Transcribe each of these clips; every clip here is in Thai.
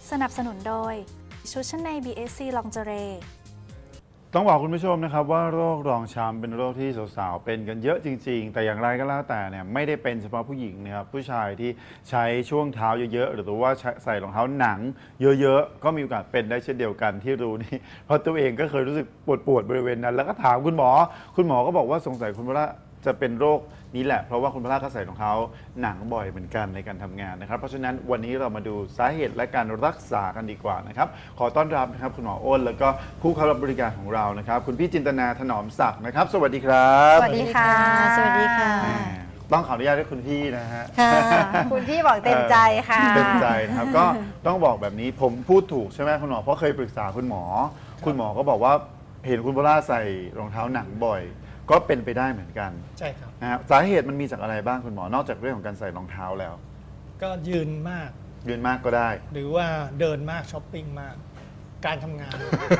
สนับสนุนโดยชุดชั้นใน BSC Lingerie ต้องบอกคุณผู้ชมนะครับว่าโรครองช้ำเป็นโรคที่สาวๆเป็นกันเยอะจริงๆแต่อย่างไรก็แล้วแต่เนี่ยไม่ได้เป็นเฉพาะผู้หญิงนะครับผู้ชายที่ใช้ช่วงเท้าเยอะๆหรือว่าใส่รองเท้าหนังเยอะๆก็มีโอกาสเป็นได้เช่นเดียวกันที่รู้นี่เพราะตัวเองก็เคยรู้สึกปวดบริเวณนั้นแล้วก็ถามคุณหมอก็บอกว่าสงสัยคุณพระจะเป็นโรคนี้แหละเพราะว่าคุณพระก็ใส่รองเท้าหนังบ่อยเหมือนกันในการทำงานนะครับเพราะฉะนั้นวันนี้เรามาดูสาเหตุและการรักษากันดีกว่านะครับขอต้อนรับนะครับคุณหมออ้นแล้วก็ผู้เข้ารับบริการของเรานะครับคุณพี่จินตนาถนอมศักดิ์นะครับสวัสดีครับสวัสดีค่ะสวัสดีค่ะต้องขออนุญาตให้คุณพี่นะฮะคุณพี่บอกเต็มใจค่ะเต็มใจครับก็ต้องบอกแบบนี้ผมพูดถูกใช่ไหมคุณหมอเพราะเคยปรึกษาคุณหมอก็บอกว่าเห็นคุณพระใส่รองเท้าหนังบ่อยก็เป็นไปได้เหมือนกันใช่ครับนะครับสาเหตุมันมีจากอะไรบ้างคุณหมอนอกจากเรื่องของการใส่รองเท้าแล้วก็ยืนมากก็ได้หรือว่าเดินมากช้อปปิ้งมากการทำงาน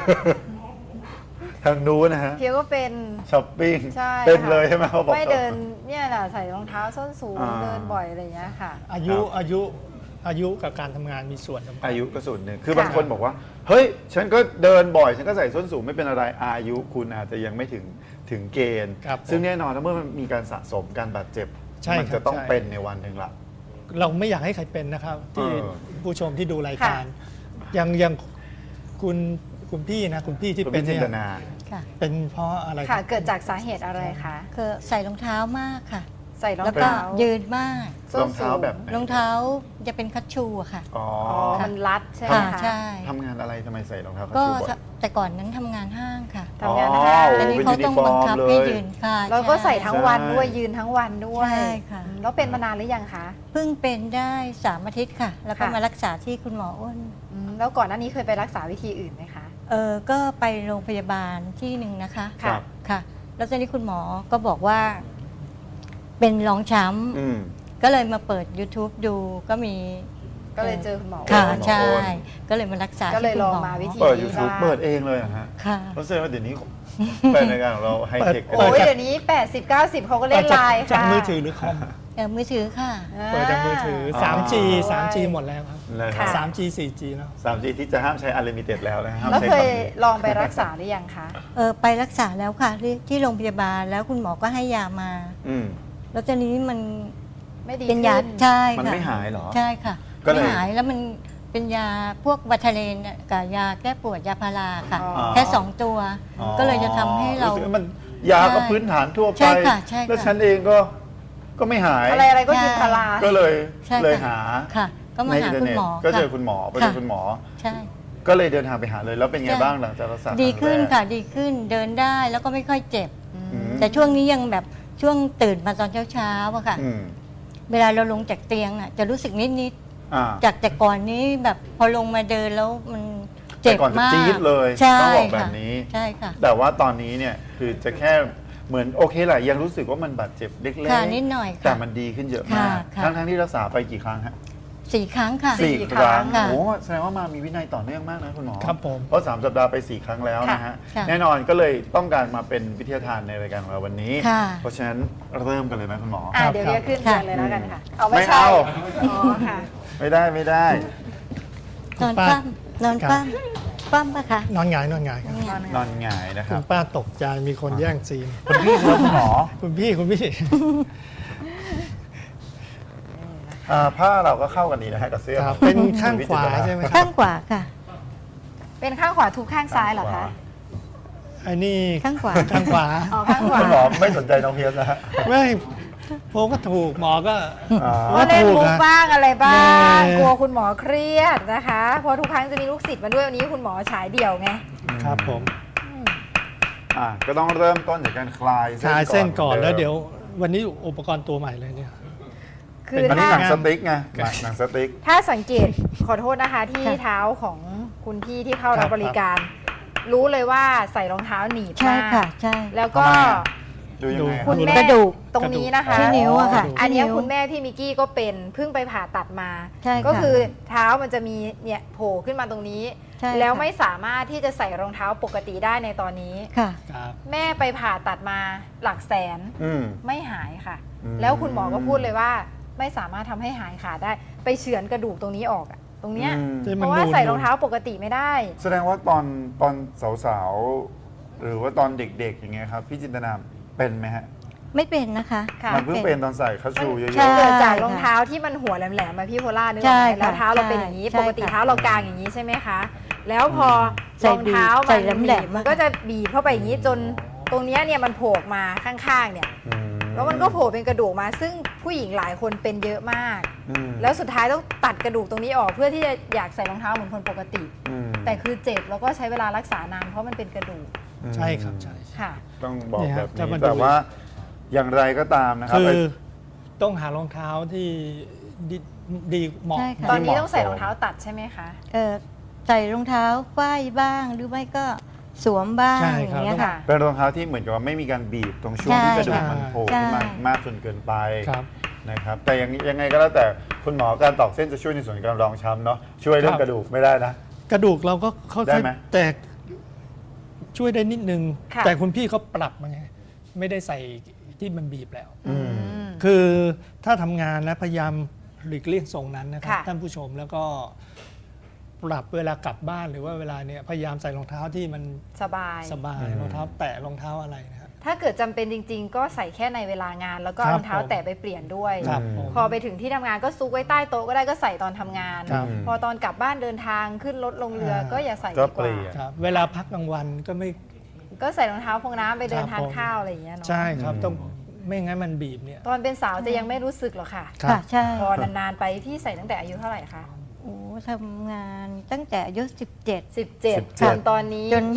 ทางนู้นนะฮะเพียวก็เป็นช้อปปิ้งเป็นเลยใช่ไหมเขาบอกไม่เดินเนี่ยแหละใส่รองเท้าส้นสูงเดินบ่อยอะไรอย่างเงี้ยค่ะอายุกับการทำงานมีส่วนสำคัญอายุก็ส่วนหนึ่งคือบางคนบอกว่าเฮ้ยฉันก็เดินบ่อยฉันก็ใส่ส้นสูงไม่เป็นอะไรอายุคุณอาจจะยังไม่ถึงเกณฑ์ซึ่งแน่นอนถ้าเมื่อมันมีการสะสมการบาดเจ็บมันจะต้องเป็นในวันหนึ่งละเราไม่อยากให้ใครเป็นนะครับที่ผู้ชมที่ดูรายการยังคุณพี่นะคุณพี่ที่เป็นเนี่ยเป็นเพราะอะไรค่ะเกิดจากสาเหตุอะไรคะคือใส่รองเท้ามากค่ะใส่รองเท้ายืนมากรองเท้าแบบรองเท้าจะเป็นคัชชูอะค่ะอ๋อมันรัดใช่ไหมคะใช่ทำงานอะไรทำไมใส่รองเท้าคัชชูบ่อยแต่ก่อนนั้นทำงานห้างค่ะทำงานห้างแต่นี้เขาต้องบังคับให้ยืนค่ะแล้วก็ใส่ทั้งวันด้วยยืนทั้งวันด้วยใช่ค่ะแล้วเป็นมานานหรือยังคะเพิ่งเป็นได้3 อาทิตย์ค่ะแล้วก็มารักษาที่คุณหมออ้นแล้วก่อนหน้านี้เคยไปรักษาวิธีอื่นไหมคะก็ไปโรงพยาบาลที่หนึ่งนะคะค่ะแล้วตอนนี้คุณหมอก็บอกว่าเป็นรองช้ำก็เลยมาเปิด YouTube ดูก็เลยเจอคุณหมอค่ะใช่ก็เลยมารักษาก็เลยลองมาวิธีเปิด YouTube เปิดเองเลยฮะค่ะเพราะฉะนั้นเดี๋ยวนี้เป็นในการของเราไฮเทคโอ้ยเดี๋ยวนี้80-90เขาก็เล่นไลน์ค่ะจากมือถือหรือคอมมือถือค่ะเปิดจากมือถือ 3G หมดแล้วครับ 3G 4G แล้ว 3G ที่จะห้ามใช้ Unlimited แล้วนะครับแล้วเคยลองไปรักษาหรือยังคะไปรักษาแล้วค่ะที่โรงพยาบาลแล้วคุณหมอก็ให้ยามาแล้วตอนนี้มันเป็นยาใช่ค่ะมันไม่หายหรอใช่ค่ะไม่หายแล้วมันเป็นยาพวกวัตเลนกับยาแก้ปวดยาพาราค่ะแค่2 ตัวก็เลยจะทำให้เรามันยาก็พื้นฐานทั่วไปแล้วฉันเองก็ไม่หายอะไรก็กินพาราก็เลยหาค่ะก็มาหาคุณหมอก็เจอคุณหมอไปเจอคุณหมอใช่ก็เลยเดินทางไปหาเลยแล้วเป็นไงบ้างหลังจากรักษาดีขึ้นค่ะดีขึ้นเดินได้แล้วก็ไม่ค่อยเจ็บแต่ช่วงนี้ยังแบบช่วงตื่นมาตอนเช้าๆอะค่ะเวลาเราลงจากเตียงอะจะรู้สึกนิดจากแต่ก่อนนี้แบบพอลงมาเดินแล้วมันเจ็บมากจี๊ดเลยต้องบอกแบบนี้ใช่ค่ะแต่ว่าตอนนี้เนี่ยคือจะแค่เหมือนโอเคแหละยังรู้สึกว่ามันบาดเจ็บเล็กๆนิดหน่อยแต่มันดีขึ้นเยอะมากทั้งที่รักษาไปกี่ครั้งฮะ 4 ครั้งค่ะ 4 ครั้งโอ้แสดงว่ามามีวินัยต่อเนื่องมากนะคุณหมอครับผมเพราะ3 สัปดาห์ไป4 ครั้งแล้วนะฮะแน่นอนก็เลยต้องการมาเป็นวิทยาทานในรายการของเราวันนี้เพราะฉะนั้นเริ่มกันเลยไหมคุณหมอเดี๋ยวขึ้นเลยแล้วกันค่ะไม่เอาไม่ได้นอนปั้มปะคะนอนหงายครับนอนหงายนะครับคุณป้าตกใจมีคนแย่งซีนคุณพี่คุณหมอคุณพี่ผ้าเราก็เข้ากันดีนะฮะกับเสื้อเป็นข้างขวาใช่ไหมข้างขวาค่ะเป็นข้างขวาทุกข้างซ้ายเหรอคะไอ้นี่ข้างขวาข้างขวาคุณหมอไม่สนใจน้องเพียรนะฮะไม่ผมก็ถูกหมอก็เล่นมุกบ้างอะไรบ้างกลัวคุณหมอเครียดนะคะเพราะทุกครั้งจะมีลูกศิษย์มาด้วยวันนี้คุณหมอฉายเดี่ยวไงครับผมก็ต้องเริ่มต้นจากการคลายเส้นก่อนแล้วเดี๋ยววันนี้อุปกรณ์ตัวใหม่เลยเนี่ยคืออันนี้หนังสติ๊กไงหนังสติ๊กถ้าสังเกตขอโทษนะคะที่เท้าของคุณพี่ที่เข้ารับบริการรู้เลยว่าใส่รองเท้าหนีบมากใช่แล้วก็คุณแม่ตรงนี้นะคะที่นิ้วอะค่ะอันนี้คุณแม่พี่มิกกี้ก็เป็นเพิ่งไปผ่าตัดมาก็คือเท้ามันจะมีเนี่ยโผล่ขึ้นมาตรงนี้แล้วไม่สามารถที่จะใส่รองเท้าปกติได้ในตอนนี้แม่ไปผ่าตัดมาหลักแสนไม่หายค่ะแล้วคุณหมอก็พูดเลยว่าไม่สามารถทำให้หายขาดได้ไปเฉือนกระดูกตรงนี้ออกตรงเนี้ยเพราะว่าใส่รองเท้าปกติไม่ได้แสดงว่าตอนสาวๆหรือว่าตอนเด็กๆอย่างเงี้ยครับพี่จินตนาเป็นไหมฮะไม่เป็นนะคะมันเพิ่งเป็นตอนใส่คัชชูเยอะๆเกิดจากรองเท้าที่มันหัวแหลมๆมาพี่โพล่านึกออกไหมแล้วเท้าเราเป็นอย่างนี้ปกติเท้าเรากางอย่างนี้ใช่ไหมคะแล้วพอรองเท้ามันบีบมันก็จะบีบเข้าไปอย่างนี้จนตรงนี้เนี่ยมันโผล่มาข้างๆเนี่ยแล้วมันก็โผล่เป็นกระดูกมาซึ่งผู้หญิงหลายคนเป็นเยอะมากแล้วสุดท้ายต้องตัดกระดูกตรงนี้ออกเพื่อที่จะอยากใส่รองเท้าเหมือนคนปกติแต่คือเจ็บแล้วก็ใช้เวลารักษานานเพราะมันเป็นกระดูกใช่ครับใช่ค่ะต้องบอกแบบนี้แต่ว่าอย่างไรก็ตามนะครับคือต้องหารองเท้าที่ดีเหมาะตอนนี้ต้องใส่รองเท้าตัดใช่ไหมคะใส่รองเท้าฝ้ายบ้างหรือไม่ก็สวมบ้างอย่างเงี้ยค่ะเป็นรองเท้าที่เหมือนกับว่าไม่มีการบีบตรงช่วงที่กระดูกมันโผล่ขึ้นมามากจนเกินไปนะครับแต่ยังไงก็แล้วแต่คุณหมอการตอกเส้นจะช่วยในส่วนการรองช้ำเนาะช่วยเรื่องกระดูกไม่ได้นะกระดูกเราก็เข้าใจแต่ช่วยได้นิดนึงแต่คุณพี่เขาปรับมาไงไม่ได้ใส่ที่มันบีบแล้วคือถ้าทำงานแล้วพยายามหลีกเลี่ยงทรงนั้นนะครับท่านผู้ชมแล้วก็ปรับเวลากลับบ้านหรือว่าเวลาเนี่ยพยายามใส่รองเท้าที่มันสบายรองเท้าแตะรองเท้าอะไรนะครับถ้าเกิดจำเป็นจริงๆก็ใส่แค่ในเวลางานแล้วก็รองเท้าแตะไปเปลี่ยนด้วยพอไปถึงที่ทำงานก็ซุกไว้ใต้โต๊ะก็ได้ก็ใส่ตอนทำงานพอตอนกลับบ้านเดินทางขึ้นรถลงเรือก็อย่าใส่ดีกว่าเวลาพักกลางวันก็ใส่รองเท้าพงน้ำไปเดินทานข้าวอะไรอย่างเงี้ยเนาะใช่ครับต้องไม่งั้นมันบีบเนี่ยตอนเป็นสาวจะยังไม่รู้สึกหรอกค่ะใช่พอนานๆไปพี่ใส่ตั้งแต่อายุเท่าไหร่คะทำงานตั้งแต่อายุ 17จนตอนนี้จน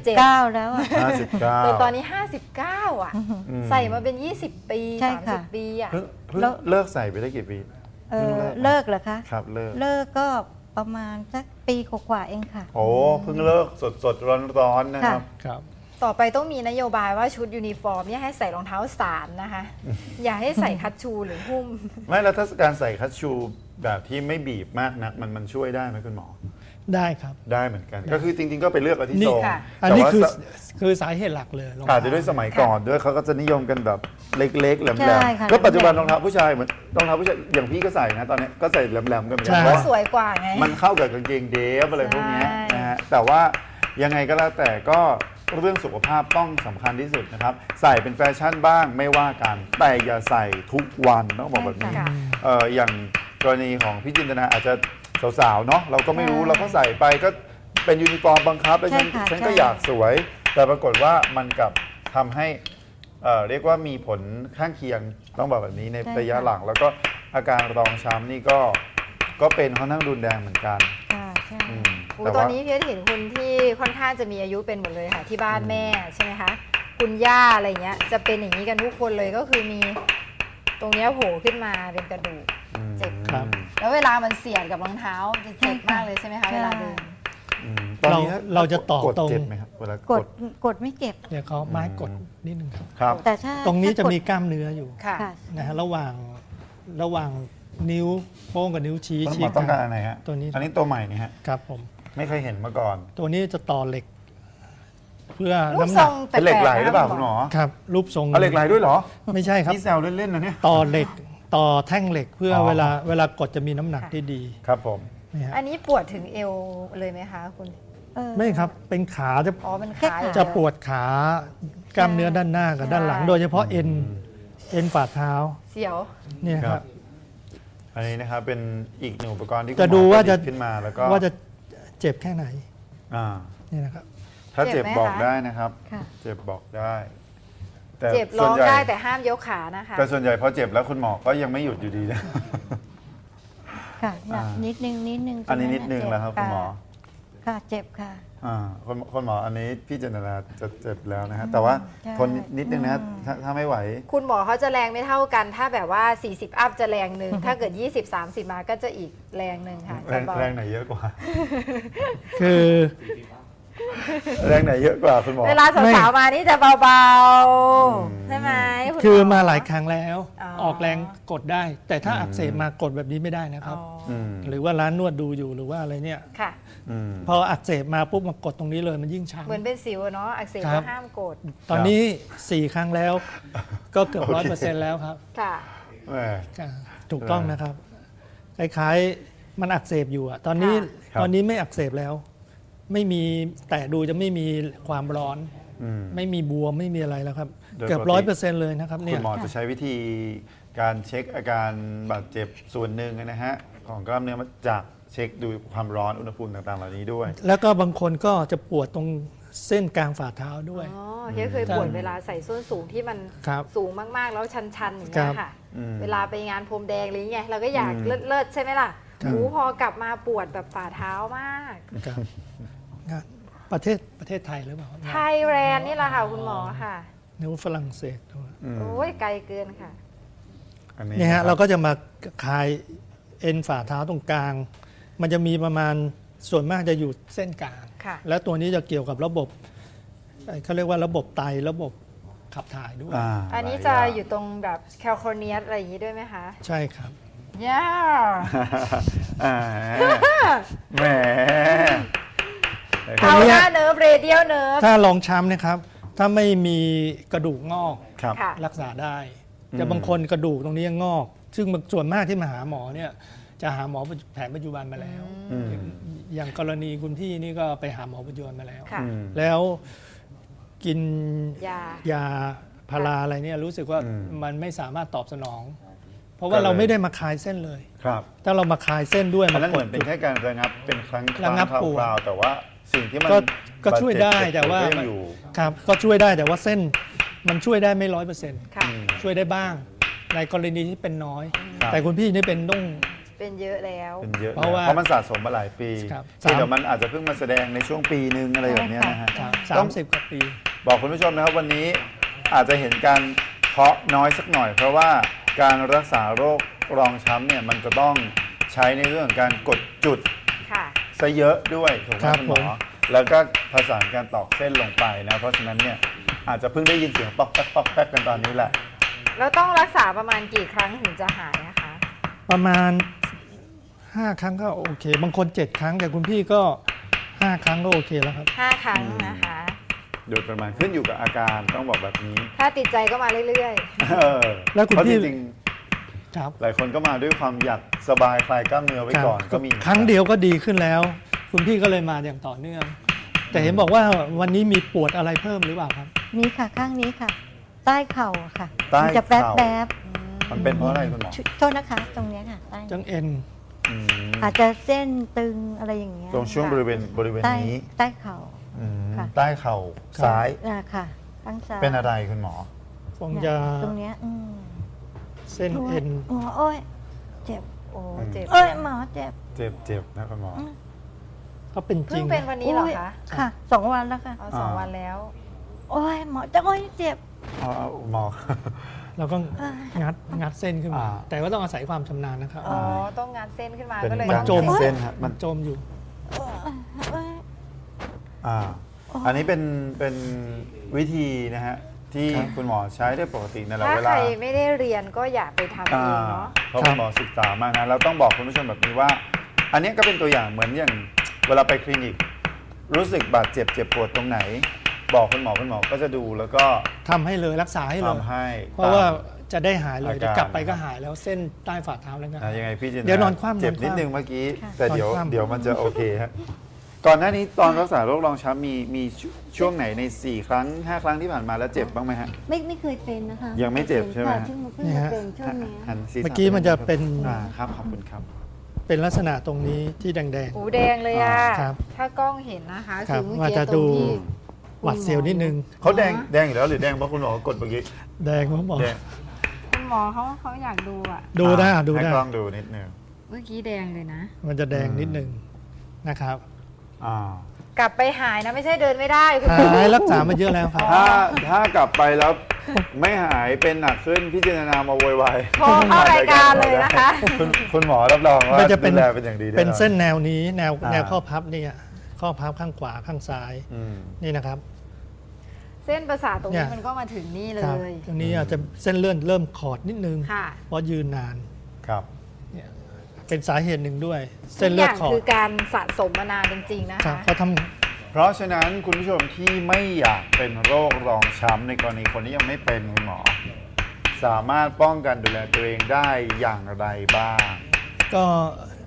29แล้ว 59 จนตอนนี้59อ่ะใส่มาเป็น20ปี30ปีอ่ะแล้วเลิกใส่ไปได้กี่ปีเลิกเหรอคะครับเลิกก็ประมาณสักปีกว่าเองค่ะโอ้เพิ่งเลิกสดร้อนๆนะครับต่อไปต้องมีนโยบายว่าชุดยูนิฟอร์มเนี่ยให้ใส่รองเท้าสานนะคะอย่าให้ใส่คัชชูหรือหุ้มไม่แล้วถ้าการใส่คัชชูแบบที่ไม่บีบมากนักมันช่วยได้ไหมคุณหมอได้ครับได้เหมือนกันก็คือจริงๆก็ไปเลือกเอาที่ทรงอันนี้คือสาเหตุหลักเลยอาจจะด้วยสมัยก่อนด้วยเขาก็จะนิยมกันแบบเล็กๆแหลมๆก็ปัจจุบันรองเท้าผู้ชายเหมือนรองเท้าผู้ชายอย่างพี่ก็ใส่นะตอนนี้ก็ใส่แหลมๆกันเหมือนกันเพราะสวยกว่าไงมันเข้ากับกางเกงเดฟอะไรพวกนี้นะฮะแต่ว่ายังไงก็แล้วแต่ก็เรื่องสุขภาพต้องสำคัญที่สุดนะครับใส่เป็นแฟชั่นบ้างไม่ว่ากันแต่อย่าใส่ทุกวันต้องบอกแบบนี้อย่างกรณีของพี่จินตนาอาจจะสาวๆเนาะเราก็ไม่รู้เราก็ใส่ไปก็เป็นยูนิฟอร์มบังคับแล้วฉันก็อยากสวยแต่ปรากฏว่ามันกลับทำให้เรียกว่ามีผลข้างเคียงต้องบอกแบบนี้ในระยะหลังแล้วก็อาการรองช้ำนี่ก็เป็นค่อนข้างรุนแรงเหมือนกันตอนนี้พี่เห็นคุณที่ค่อนข้างจะมีอายุเป็นหมดเลยค่ะที่บ้านแม่ใช่ไหมคะคุณย่าอะไรเงี้ยจะเป็นอย่างนี้กันทุกคนเลยก็คือมีตรงนี้โผล่ขึ้นมาเป็นกระดูกเจ็บแล้วเวลามันเสียดกับรองเท้าจะเจ็บมากเลยใช่ไหมคะเวลาเดินตอนนี้เราจะต่อตรงกดไม่เจ็บเดี๋ยวเขาไม้กดนิดนึงครับแต่ถ้าตรงนี้จะมีกล้ามเนื้ออยู่นะฮะระหว่างนิ้วโป้งกับนิ้วชี้ต้องการอะไรฮะตัวนี้อันนี้ตัวใหม่นี่ฮะครับผมไม่เคยเห็นมาก่อนตัวนี้จะต่อเหล็กเพื่อน้ำหนักเป็นเหล็กไหลหรือเปล่าคุณหมอครับรูปทรงเหล็กไหลด้วยเหรอไม่ใช่ครับนี่แซวเล่นๆนะเนี่ยต่อเหล็กต่อแท่งเหล็กเพื่อเวลากดจะมีน้ำหนักที่ดีครับผมอันนี้ปวดถึงเอวเลยไหมคะคุณไม่ครับเป็นขาจะปวดขากล้ามเนื้อด้านหน้ากับด้านหลังโดยเฉพาะเอ็นฝ่าเท้าเสียวเนี่ยครับอันนี้นะครับเป็นอีกหนึ่งอุปกรณ์ที่จะดูว่าจะขึ้นมาแล้วก็ว่าจะเจ็บแค่ไหนนี่นะครับถ้าเจ็บบอกได้นะครับเจ็บบอกได้แต่เจ็บร้องได้แต่ห้ามยกขานะคะแต่ส่วนใหญ่พอเจ็บแล้วคุณหมอก็ยังไม่หยุดอยู่ดีนะค่ะนิดนึงอันนี้นิดนึงแล้วครับคุณหมอค่ะเจ็บค่ะคุณหมออันนี้พี่เจนนาจะเจ็บแล้วนะฮะแต่ว่าทนนิดนึงนะถ้าไม่ไหวคุณหมอเขาจะแรงไม่เท่ากันถ้าแบบว่า40อัพจะแรงหนึ่งถ้าเกิด20-30มาก็จะอีกแรงหนึ่งค่ะแรงไหนเยอะกว่าคือแรงไหนเยอะกว่าคุณหมอเวลาสาวๆมานี่จะเบาๆใช่ไหมคือมาหลายครั้งแล้วออกแรงกดได้แต่ถ้าอักเสบมากดแบบนี้ไม่ได้นะครับหรือว่าร้านนวดดูอยู่หรือว่าอะไรเนี่ยพออักเสบมาปุ๊บมากดตรงนี้เลยมันยิ่งช้ำเหมือนเป็นสิวเนาะอักเสบก็ห้ามกดตอนนี้4 ครั้งแล้วก็เกือบ100%แล้วครับค่ะถูกต้องนะครับคล้ายมันอักเสบอยู่อะตอนนี้ไม่อักเสบแล้ว ไม่มีแต่ดูจะไม่มีความร้อนไม่มีบวมไม่มีอะไรแล้วครับเกือบ100%เลยนะครับเนี่ยคุณหมอจะใช้วิธีการเช็คอาการบาดเจ็บส่วนหนึ่งนะฮะของกล้ามเนื้อมาจากเช็คดูความร้อนอุณหภูมิต่างๆเหล่านี้ด้วยแล้วก็บางคนก็จะปวดตรงเส้นกลางฝ่าเท้าด้วยเฮียเคยปวดเวลาใส่ส้นสูงที่มันสูงมากๆแล้วชันๆอย่างเงี้ยค่ะเวลาไปงานพรมแดงอะไรเงี้ยเราก็อยากเลิศใช่ไหมล่ะพอกลับมาปวดแบบฝ่าเท้ามากประเทศไทยหรือเปล่าไทยแลนด์นี่แหละค่ะคุณหมอค่ะนิ้วฝรั่งเศสโอ้ยไกลเกินค่ะนี่ฮะเราก็จะมาคลายเอ็นฝ่าเท้าตรงกลางมันจะมีประมาณส่วนมากจะอยู่เส้นกลางแล้วตัวนี้จะเกี่ยวกับระบบเขาเรียกว่าระบบไตระบบขับถ่ายด้วยอันนี้จะอยู่ตรงแบบแคลโคเนียสอะไรอย่างนี้ด้วยไหมคะใช่ครับย่าแหมเอาหน้าเนิร์ฟเรเดียลเนิร์ฟถ้าลองช้ำนะครับถ้าไม่มีกระดูกงอกรักษาได้แต่บางคนกระดูกตรงนี้งอกซึ่งส่วนมากที่มาหาหมอเนี่ยจะหาหมอแผนปัจจุบันมาแล้วอย่างกรณีคุณพี่นี่ก็ไปหาหมอปัจจุบันมาแล้วแล้วกินยาพาราอะไรเนี่ยรู้สึกว่ามันไม่สามารถตอบสนองเพราะว่าเราไม่ได้มาคลายเส้นเลยถ้าเรามาคลายเส้นด้วยมันเหมือนเป็นแค่การระงับเป็นครั้งคราวแต่ว่าสิ่งที่มันก็ช่วยได้แต่ว่าครับก็ช่วยได้แต่ว่าเส้นมันช่วยได้ไม่100%ช่วยได้บ้างในกรณีที่เป็นน้อยแต่คุณพี่นี่เป็นเยอะแล้วเป็นเยอะเพราะมันสะสมมาหลายปีเดี๋ยวมันอาจจะเพิ่งมาแสดงในช่วงปีนึงอะไรแบบนี้นะฮะ 30 กว่าปีบอกคุณผู้ชมนะครับวันนี้อาจจะเห็นการเคาะน้อยสักหน่อยเพราะว่าการรักษาโรครองช้ำเนี่ยมันจะต้องใช้ในเรื่องการกดจุดซะเยอะด้วยถูกไหมคุณหมอแล้วก็ผสานการตอกเส้นลงไปนะเพราะฉะนั้นเนี่ยอาจจะเพิ่งได้ยินเสียงปอกแป๊กปอกแป๊กกันตอนนี้แหละแล้วต้องรักษาประมาณกี่ครั้งถึงจะหายนะคะประมาณ5 ครั้งก็โอเคบางคน7 ครั้งแต่คุณพี่ก็5 ครั้งก็โอเคแล้วครับ 5 ครั้งนะคะโดยประมาณขึ้นอยู่กับอาการต้องบอกแบบนี้ถ้าติดใจก็มาเรื่อยๆแล้วคุณพี่จริงหลายคนก็มาด้วยความอยากสบายคลายกล้ามเนื้อไว้ก่อนก็มีครั้งเดียวก็ดีขึ้นแล้วคุณพี่ก็เลยมาอย่างต่อเนื่องแต่เห็นบอกว่าวันนี้มีปวดอะไรเพิ่มหรือเปล่าครับมีค่ะข้างนี้ค่ะใต้เข่าค่ะจะแป๊บมันเป็นเพราะอะไรคุณหมอโทษนะคะตรงนี้ค่ะใต้จังเอ็นอาจจะเส้นตึงอะไรอย่างเงี้ยตรงช่วงบริเวณนี้ใต้เข่าใต้เข่าซ้ายค่ะข้างซ้ายเป็นอะไรคุณหมอคงจะตรงเนี้ยเส้นเอ็นโอ้ยเจ็บเจ็บหมอเจ็บนะคุณหมอก็เป็นจริงเพิ่งเป็นวันนี้เหรอคะค่ะ2 วันแล้วค่ะ 2 วันแล้วโอ้ยหมอจะโอ้ยเจ็บหมอเราก็งัดเส้นขึ้นมาแต่ว่าต้องอาศัยความชำนาญนะครับต้องงัดเส้นขึ้นมาก็เลยมันจมเส้นครับมันจมอยู่อันนี้เป็นวิธีนะฮะที่คุณหมอใช้ได้ปกติในเวลาถ้าใครไม่ได้เรียนก็อย่าไปทำเองเนาะเพราะคุณหมอศึกษามากนะเราต้องบอกคุณผู้ชมแบบนี้ว่าอันนี้ก็เป็นตัวอย่างเหมือนอย่างเวลาไปคลินิกรู้สึกบาดเจ็บปวดตรงไหนบอกคุณหมอก็จะดูแล้วก็ทำให้เลยรักษาให้เลยเพราะว่าจะได้หายเลยกลับไปก็หายแล้วเส้นใต้ฝ่าเท้าแล้วกันยังไงพี่จินเดี๋ยวนอนคว่ำเจ็บนิดนึงเมื่อกี้แต่เดี๋ยวมันจะโอเคฮะก่อนหน้านี้ตอนรักษาโรครองช้ำมีช่วงไหนใน4 ครั้ง 5 ครั้งที่ผ่านมาแล้วเจ็บบ้างไหมฮะไม่เคยเป็นนะคะยังไม่เจ็บใช่ไหมนี่ฮะเมื่อกี้มันจะเป็นครับขอบคุณครับเป็นลักษณะตรงนี้ที่แดงแดงเลยอ่ะถ้ากล้องเห็นนะคะคือเมื่อกี้ตรงที่หวัดเสียวนิดนึงเขาแดงอยู่แล้วหรือแดงเพราะคุณหมอกดเมื่อกี้แดงเพราะหมอคุณหมอเขาอยากดูอ่ะดูได้ให้กล้องดูนิดนึงเมื่อกี้แดงเลยนะมันจะแดงนิดนึงนะครับกลับไปหายนะไม่ใช่เดินไม่ได้หายรักษามาเยอะแล้วครับถ้ากลับไปแล้วไม่หายเป็นหนักขึ้นพิจารณามาโวยวายพอเข้ารายการเลยนะคะคุณหมอรับรองว่าจะเป็นอย่างดีเป็นเส้นแนวนี้แนวข้อพับนี่ข้อพับข้างขวาข้างซ้ายนี่นะครับเส้นประสาทตรงนี้มันก็มาถึงนี่เลยตรงนี้อาจจะเส้นเลื่อนเริ่มขอดนิดนึงเพราะยืนนานครับเป็นสาเหตุหนึ่งด้วยเส้นเลือดขอดคือการสะสมมานานจริงๆนะคะเพราะฉะนั้นคุณผู้ชมที่ไม่อยากเป็นโรครองช้ำในกรณีคนที่ยังไม่เป็นคุณหมอสามารถป้องกันดูแลตัวเองได้อย่างไรบ้างก็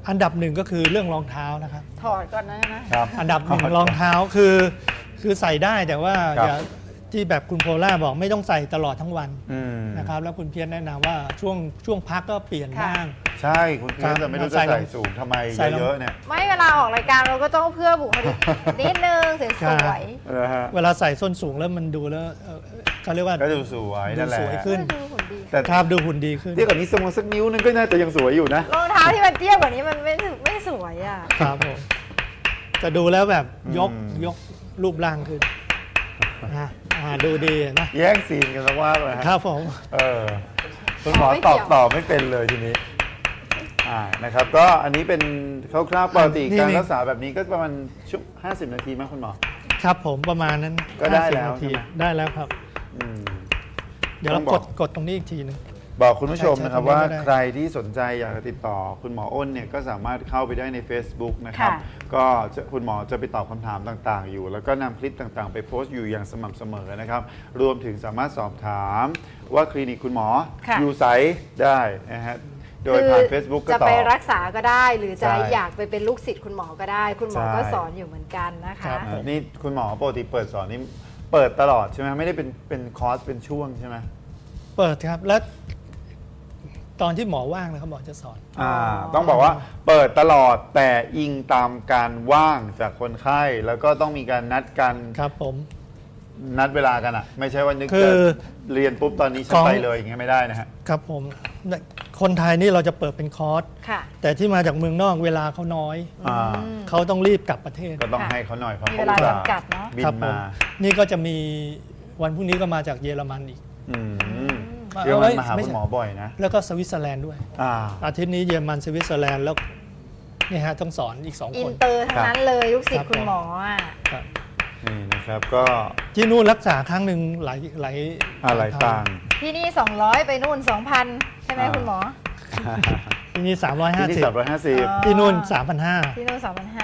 อันดับหนึ่งก็คือเรื่องรองเท้านะครับถอดก่อนนะครับอันดับหนึ่งรองเท้าคือใส่ได้แต่ว่าอย่าที่แบบคุณโพล่าบอกไม่ต้องใส่ตลอดทั้งวันนะครับแล้วคุณเพียรแนะนำว่าช่วงพักก็เปลี่ยนบ้างใช่คุณเพียรจะไม่รู้จะใส่สูงทำไมเยอะเนี่ยไม่เวลาออกรายการเราก็ต้องเพื่อบุคลิกนิดนึงสวยเวลาใส่ส้นสูงแล้วมันดูแล้วเขาเรียกว่าก็ดูสวยนั่นแหละสวยขึ้นแต่ภาพดูหุ่นดีขึ้นเทียบกับนี้สักนิ้วนึงก็น่าจะยังสวยอยู่นะรองเท้าที่มันเตี้ยกว่านี้มันไม่สวยอ่ะครับผมจะดูแล้วแบบยกรูปร่างขึ้นดูดีนะแย่งซีนกันสักว่าเลยครับผมคุณหมอตอบไม่เป็นเลยทีนี้นะครับก็อันนี้เป็นคร่าวๆปกติการรักษาแบบนี้ก็ประมาณ50 นาทีมั้ยคุณหมอครับผมประมาณนั้นก็ได้แล้วได้แล้วครับเดี๋ยวเรากดตรงนี้อีกทีนึงบอกคุณผู้ชมนะครับว่าใครที่สนใจอยากจะติดต่อคุณหมออ้นเนี่ยก็สามารถเข้าไปได้ใน Facebook นะครับก็คุณหมอจะไปตอบคำถามต่างๆอยู่แล้วก็นำคลิปต่างๆไปโพสต์อยู่อย่างสม่ำเสมอนะครับรวมถึงสามารถสอบถามว่าคลินิกคุณหมออยู่ไสได้นะฮะโดยผ่าน Facebook ก็จะไปรักษาก็ได้หรือจะอยากไปเป็นลูกศิษย์คุณหมอก็ได้คุณหมอก็สอนอยู่เหมือนกันนะคะนี่คุณหมอปกติเปิดสอนนี่เปิดตลอดใช่ไหมไม่ได้เป็นคอร์สเป็นช่วงใช่ไหมเปิดครับแล้วตอนที่หมอว่างนะครับหมอจะสอนต้องบอกว่าเปิดตลอดแต่อิงตามการว่างจากคนไข้แล้วก็ต้องมีการนัดกันครับผมนัดเวลากันไม่ใช่ว่านึกจะเรียนปุ๊บตอนนี้ฉันไปเลยอย่างเงี้ยไม่ได้นะฮะครับผมคนไทยนี่เราจะเปิดเป็นคอร์สแต่ที่มาจากเมืองนอกเวลาเขาน้อยเขาต้องรีบกลับประเทศก็ต้องให้เขาหน่อยเพราะเวลาจำกัดเนาะบินมานี่ก็จะมีวันพรุ่งนี้ก็มาจากเยอรมันอีกเยอรมันมาหาคุณหมอบ่อยนะแล้วก็สวิตเซอร์แลนด์ด้วยอาทิตย์นี้เยอรมันสวิตเซอร์แลนด์แล้วนี่ฮะต้องสอนอีก2 คนอินเตอร์ทั้งนั้นเลยลูกศิษย์คุณหมอนี่นะครับก็ที่นู่นรักษาครั้งหนึ่งหลายต่างที่นี่200ไปนู่น 2,000 ใช่ไหมคุณหมอที่นี่ 350 ที่นู่น 3,500 ที่นู่น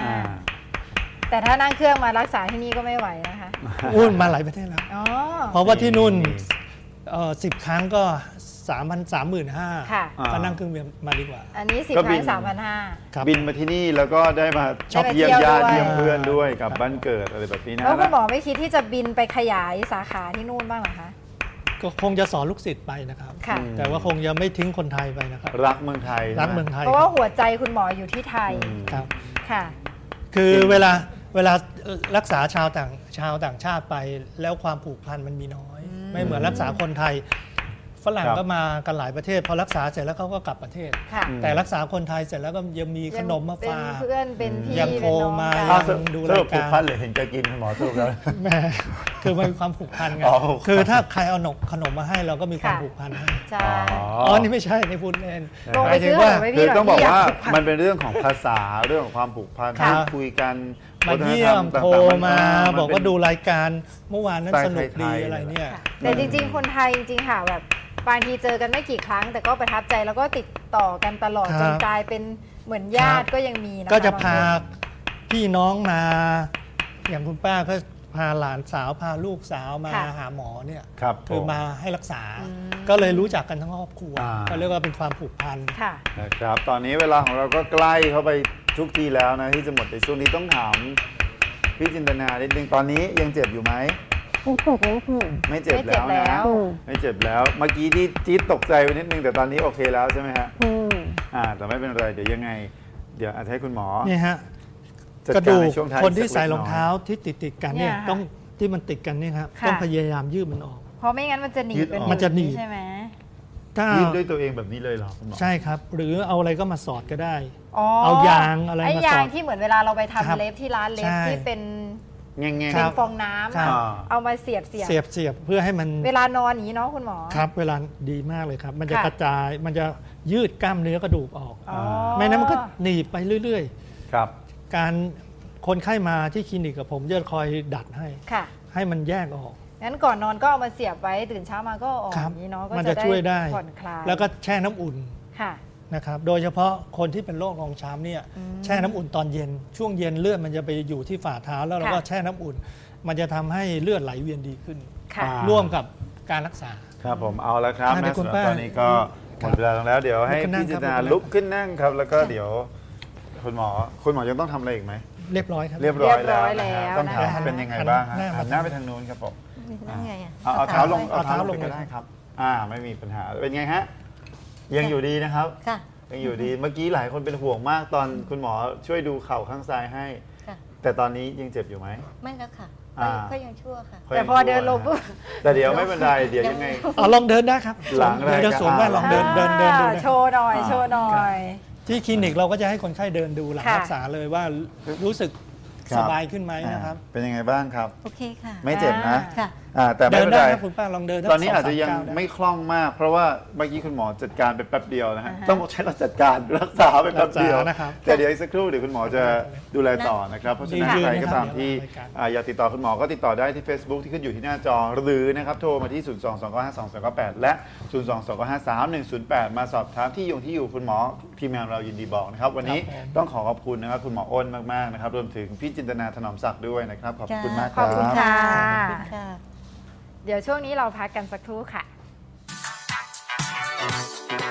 3,500แต่ถ้านั่งเครื่องมารักษาที่นี่ก็ไม่ไหวนะคะมาหลายประเทศแล้วเพราะว่าที่นู่น10 ครั้งก็35,000ก็นั่งเครื่องบินมาดีกว่าอันนี้10 ครั้ง 3,500 บินมาที่นี่แล้วก็ได้มาช็อปเยี่ยมญาติเยี่ยมเพื่อนด้วยกับบ้านเกิดอะไรแบบนี้นะแล้วคุณหมอไม่คิดที่จะบินไปขยายสาขาที่นู่นบ้างหรอคะก็คงจะสอนลูกศิษย์ไปนะครับแต่ว่าคงจะไม่ทิ้งคนไทยไปนะครับรักเมืองไทยเพราะว่าหัวใจคุณหมออยู่ที่ไทยครับค่ะคือเวลารักษาชาวต่างชาติไปแล้วความผูกพันมันมีน้อยไม่เหมือนรักษาคนไทยฝรั่งก็มากันหลายประเทศพอรักษาเสร็จแล้วเขาก็กลับประเทศแต่รักษาคนไทยเสร็จแล้วก็ยังมีขนมมาฝากเพื่อนเป็นพี่ยังโทรมาดูรายการผูกพันเลยเห็นจะกินคุณหมอถูกแล้วแม่คือมันมีความผูกพันไงคือถ้าใครเอาขนมมาให้เราก็มีความผูกพันใช่นี่ไม่ใช่ในพูดเล่นหมายถึงว่าคือต้องบอกว่ามันเป็นเรื่องของภาษาเรื่องของความผูกพันที่คุยกันมาเยี่ยมโทรมาบอกว่าดูรายการเมื่อวานนั้นสนุกดีอะไรเนี่ยแต่จริงๆคนไทยจริงๆค่ะแบบบางทีเจอกันไม่กี่ครั้งแต่ก็ประทับใจแล้วก็ติดต่อกันตลอดจนกลายเป็นเหมือนญาติก็ยังมีนะก็จะพาพี่น้องมาอย่างคุณป้าก็พาหลานสาวพาลูกสาวมาหาหมอเนี่ยคือมาให้รักษาก็เลยรู้จักกันทั้งครอบครัวก็เรียกว่าเป็นความผูกพันนะครับตอนนี้เวลาของเราก็ใกล้เข้าไปทุกทีแล้วนะที่จะหมดในช่วงนี้ต้องถามพี่จินตนานิดนึงตอนนี้ยังเจ็บอยู่ไหมไม่เจ็บแล้วนะไม่เจ็บแล้วเมื่อกี้ที่จี๊ดตกใจไปนิดนึงแต่ตอนนี้โอเคแล้วใช่ไหมฮะแต่ไม่เป็นไรเดี๋ยวยังไงเดี๋ยวอาจจะให้คุณหมอนี่ฮะกระดูกคนที่ใส่รองเท้าที่ติดกันเนี่ยต้องที่มันติดกันเนี่ยครับต้องพยายามยืดมันออกเพราะไม่งั้นมันจะหนีบมันจะหนีบใช่ไหมยืดด้วยตัวเองแบบนี้เลยเหรอคุณหมอใช่ครับหรือเอาอะไรก็มาสอดก็ได้เอายางอะไรมาสอดไอ้ยางที่เหมือนเวลาเราไปทำเล็บที่ร้านเล็บที่เป็นเป็นฟองน้ำเอามาเสียบเพื่อให้มันเวลานอนอย่างนี้เนาะคุณหมอครับเวลาดีมากเลยครับมันจะกระจายมันจะยืดกล้ามเนื้อกระดูกออกไม่นั้นมันก็หนีบไปเรื่อยๆครับการคนไข้มาที่คลินิกกับผมจะคอยดัดให้มันแยกออกงั้นก่อนนอนก็เอามาเสียบไว้ตื่นเช้ามาก็ออกอย่างนี้เนาะก็จะช่วยได้ผ่อนคลายแล้วก็แช่น้ำอุ่นนะครับโดยเฉพาะคนที่เป็นโรครองช้ำเนี่ยแช่น้ำอุ่นตอนเย็นช่วงเย็นเลือดมันจะไปอยู่ที่ฝ่าเท้าแล้วเราก็แช่น้ำอุ่นมันจะทำให้เลือดไหลเวียนดีขึ้นร่วมกับการรักษาครับผมเอาแล้วครับแม่สำหรับตอนนี้ก็หมดเวลาแล้วเดี๋ยวให้พี่จินตนาลุกขึ้นนั่งครับแล้วก็เดี๋ยวคุณหมอยังต้องทำอะไรอีกไหมเรียบร้อยครับเรียบร้อยแล้วต้องถามเป็นยังไงบ้างหันหน้าไปทางโน้นครับผมเอาเท้าลงก็ได้ครับไม่มีปัญหาเป็นไงฮะยังอยู่ดีนะครับยังอยู่ดีเมื่อกี้หลายคนเป็นห่วงมากตอนคุณหมอช่วยดูเข่าข้างซ้ายให้แต่ตอนนี้ยังเจ็บอยู่ไหมไม่แล้วค่ะก็ยังชั่วค่ะแต่พอเดินลงปุ๊บแต่เดี๋ยวไม่เป็นไรเดี๋ยวยังไงลองเดินได้ครับหลังเดี๋ยวสวมแว่นลองเดินดูโชว์หน่อยที่คลินิกเราก็จะให้คนไข้เดินดูหลังรักษาเลยว่ารู้สึกสบายขึ้นไหมนะครับเป็นยังไงบ้างครับโอเคค่ะไม่เจ็บนะแต่ไม่เป็นไรคุณป้าลองเดินตอนนี้อาจจะยังไม่คล่องมากเพราะว่าเมื่อกี้คุณหมอจัดการไปแป๊บเดียวนะฮะต้องใช้เราจัดการรักษาไปแป๊บเดียวนะครับแต่เดี๋ยวอีกสักครู่เดี๋ยวคุณหมอจะดูแลต่อนะครับเพราะฉะนั้นใครก็ตามที่อยากติดต่อคุณหมอก็ติดต่อได้ที่ Facebook ที่ขึ้นอยู่ที่หน้าจอหรือนะครับโทรมาที่ 022952298 และ 022953108 มาสอบถามที่อยู่คุณหมอทีมงานเรายินดีบอกนะครับวันนี้ต้องขอบคุณนะครับคุณหมออ้นมากๆนะครับรวมถึงพี่จินตนาถนอมศักดิ์ด้วยนะครับขอบคุณมากครับขอบคุณค่ะเดี๋ยวช่วงนี้เราพักกันสักครู่ค่ะ